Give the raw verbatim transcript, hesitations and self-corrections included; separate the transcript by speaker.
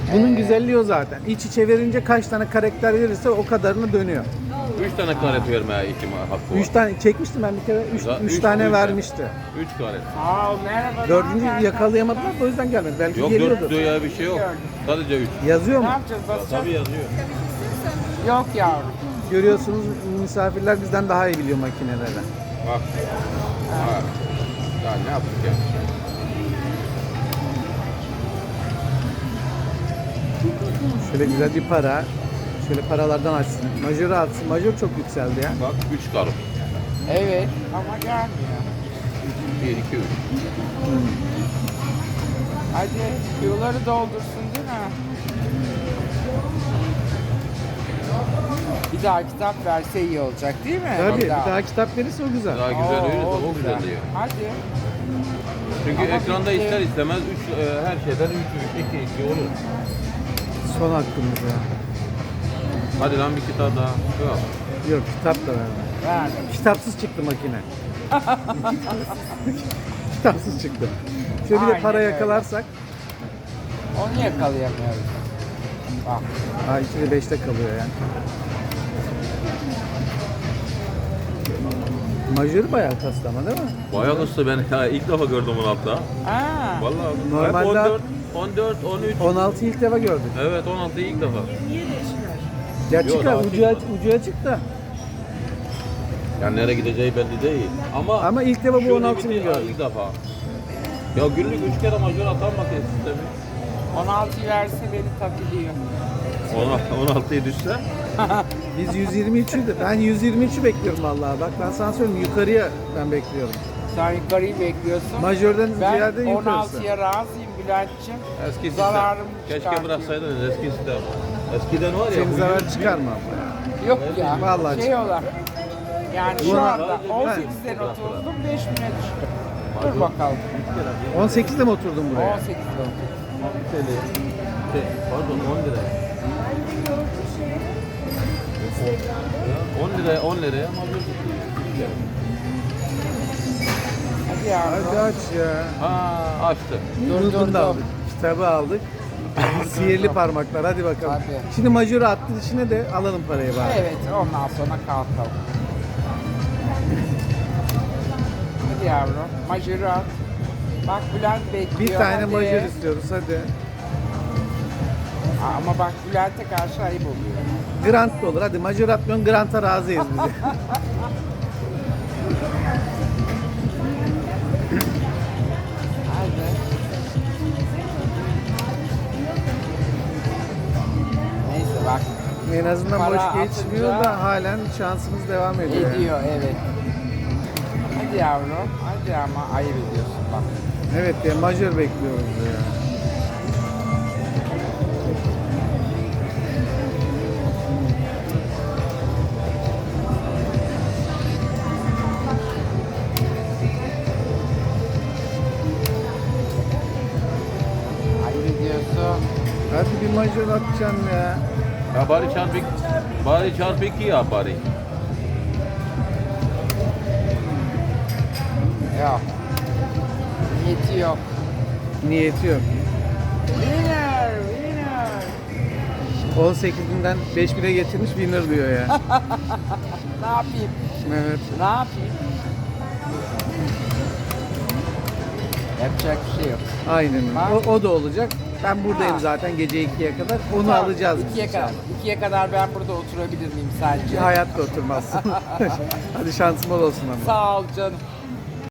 Speaker 1: Bunun
Speaker 2: Ee,
Speaker 1: güzelliği o zaten. İç içe verince kaç tane karakter verirse o kadarını dönüyor.
Speaker 3: Üç tane karet vermeye ihtimal hakkı var.
Speaker 1: Üç tane çekmiştim ben bir kere. Üç,
Speaker 3: Güzel.
Speaker 1: üç
Speaker 3: Üç-
Speaker 1: tane
Speaker 3: üç
Speaker 1: vermişti.
Speaker 3: Üç karet.
Speaker 2: Sağ ol, merhaba.
Speaker 1: Dördüncü
Speaker 2: ne haber?
Speaker 1: yakalayamadılar da o yüzden gelmedi. Belki
Speaker 3: Yok
Speaker 1: geliyordu.
Speaker 3: dört diyor ya bir şey yok. Sadece üç.
Speaker 1: Yazıyor
Speaker 2: Ne
Speaker 1: mu?
Speaker 2: yapacağız, basacağız?
Speaker 3: Tabii yazıyor.
Speaker 2: Yok yavrum.
Speaker 1: Görüyorsunuz misafirler bizden daha iyi biliyor makineleri.
Speaker 3: Bak. Ha. Ya ne yaptık ya?
Speaker 1: Şöyle güzel bir para. Şöyle paralardan açsın. Majörü atsın. Majör çok yükseldi ya.
Speaker 3: Bak üç karım.
Speaker 2: Evet ama gelmiyor.
Speaker 3: Bir, iki, üç.
Speaker 2: Hadi yuları doldursun değil mi? Bir daha kitap verse iyi olacak değil mi?
Speaker 1: Tabii bir daha kitap verirse o güzel.
Speaker 3: Daha güzel
Speaker 2: Oo,
Speaker 3: öyle de
Speaker 2: o
Speaker 3: o güzel diyor.
Speaker 2: Hadi.
Speaker 3: Çünkü
Speaker 2: Ama
Speaker 3: ekranda
Speaker 2: bitti.
Speaker 3: ister istemez üç, e, her şeyden üç, üç, iki, iki olur.
Speaker 1: Son hakkımız ya.
Speaker 3: Hadi lan bir kitap daha. Yok.
Speaker 1: Yok kitap da verme.
Speaker 2: Ver.
Speaker 1: Kitapsız çıktı makine. Kitapsız çıktı. Şöyle bir de
Speaker 2: Aynen
Speaker 1: para
Speaker 2: öyle.
Speaker 1: yakalarsak.
Speaker 2: Onu yakalayamıyoruz. Bak.
Speaker 1: Ha ikide beşte kalıyor yani. Majörü bayağı kastı ama değil mi?
Speaker 3: Bayağı kısa ben ya, ilk defa gördüm onu hatta.
Speaker 2: Aa.
Speaker 3: Vallahi
Speaker 1: Normalde-
Speaker 3: hep on dört, on dört, on üç.
Speaker 1: on altı ilk defa gördük.
Speaker 3: Evet on altı ilk defa.
Speaker 1: Ya
Speaker 3: Yok,
Speaker 1: çıkar
Speaker 3: daha
Speaker 1: ucuya,
Speaker 3: çıkmadı.
Speaker 1: ucuya çıktı.
Speaker 3: Yani nereye gideceği belli değil. Ama
Speaker 1: Ama ilk defa bu
Speaker 3: şu
Speaker 1: on altıyı
Speaker 3: limiti
Speaker 1: gördüm.
Speaker 3: ilk defa. Ya günlük üç kere majör atan makine sistemi.
Speaker 2: on altı verse beni takılıyor.
Speaker 3: on altıya düşse.
Speaker 1: Biz yüz yirmi üç'ü de ben yüz yirmi üç'ü bekliyorum vallahi. Bak ben sana söyleyeyim yukarıya ben bekliyorum.
Speaker 2: Sen yukarıyı bekliyorsun.
Speaker 1: Majörden
Speaker 2: Ben
Speaker 1: ziyade
Speaker 2: on
Speaker 1: yukarısı.
Speaker 2: altıya razıyım Bülent'ciğim.
Speaker 3: Eski sistem.
Speaker 2: Zararım
Speaker 3: Keşke
Speaker 2: çıkartıyor.
Speaker 3: bıraksaydınız eski sistem. Eskiden var ya.
Speaker 1: Senin
Speaker 3: bu
Speaker 1: zarar
Speaker 3: yüz-
Speaker 1: çıkarma.
Speaker 2: Yok ya.
Speaker 1: Vallahi
Speaker 2: şey olarak. Yani şu
Speaker 1: Buna-
Speaker 2: anda
Speaker 3: Ben-
Speaker 2: on sekizden oturdum beş bine düştüm. Dur bakalım.
Speaker 1: on sekiz'de mi oturdun buraya?
Speaker 2: on sekizde oturdum.
Speaker 3: on T L. Şey, pardon on lira. on liraya on liraya majör tutuyor.
Speaker 2: Hadi yavrum.
Speaker 1: Hadi aç ya.
Speaker 3: Ha açtı.
Speaker 2: Dur,
Speaker 1: Bunu
Speaker 2: dur,
Speaker 1: da
Speaker 2: dur.
Speaker 1: aldık. Kitabı aldık. Sihirli parmaklar hadi bakalım.
Speaker 2: Hadi.
Speaker 1: Şimdi majörü attı içine de alalım parayı bari.
Speaker 2: Evet ondan sonra kalkalım. Hadi yavrum. Majörü at. Bak Bülent bekliyor.
Speaker 1: Bir tane
Speaker 2: hadi.
Speaker 1: majör istiyoruz hadi.
Speaker 2: Ama bak Bülent'e karşı ayıp oluyor.
Speaker 1: Grant da olur. Hadi majör atmıyorsun Grant'a razıyız biz.
Speaker 2: Hadi. Neyse bak.
Speaker 1: En azından
Speaker 2: Para
Speaker 1: boş geçmiyor
Speaker 2: atınca-
Speaker 1: da halen şansımız devam ediyor. yani.
Speaker 2: Ediyor evet. Hadi yavrum. Hadi ama ayıp ediyorsun bak.
Speaker 1: Evet ya majör bekliyoruz ya.
Speaker 2: Ayıp ediyorsun.
Speaker 1: Hadi bir majör atacaksın ya.
Speaker 3: Ya bari çarpı bari çarpı iki ya bari.
Speaker 2: Yok. Niyeti yok.
Speaker 1: Niyeti yok.
Speaker 2: Winner, winner.
Speaker 1: on sekiz binden beş bire getirmiş winner diyor ya.
Speaker 2: Ne yapayım?
Speaker 1: Evet.
Speaker 2: Ne yapayım? Yapacak bir şey yok.
Speaker 1: Aynen.
Speaker 2: Bak.
Speaker 1: O, o da olacak. Ben buradayım
Speaker 2: Ha.
Speaker 1: zaten gece ikiye kadar. Onu
Speaker 2: Tamam,
Speaker 1: alacağız biz
Speaker 2: ikiye kadar.
Speaker 1: inşallah.
Speaker 2: İkiye kadar ben burada oturabilir miyim sence?
Speaker 1: Hayatta oturmazsın. Hadi şansın bol olsun ama.
Speaker 2: Sağ ol canım.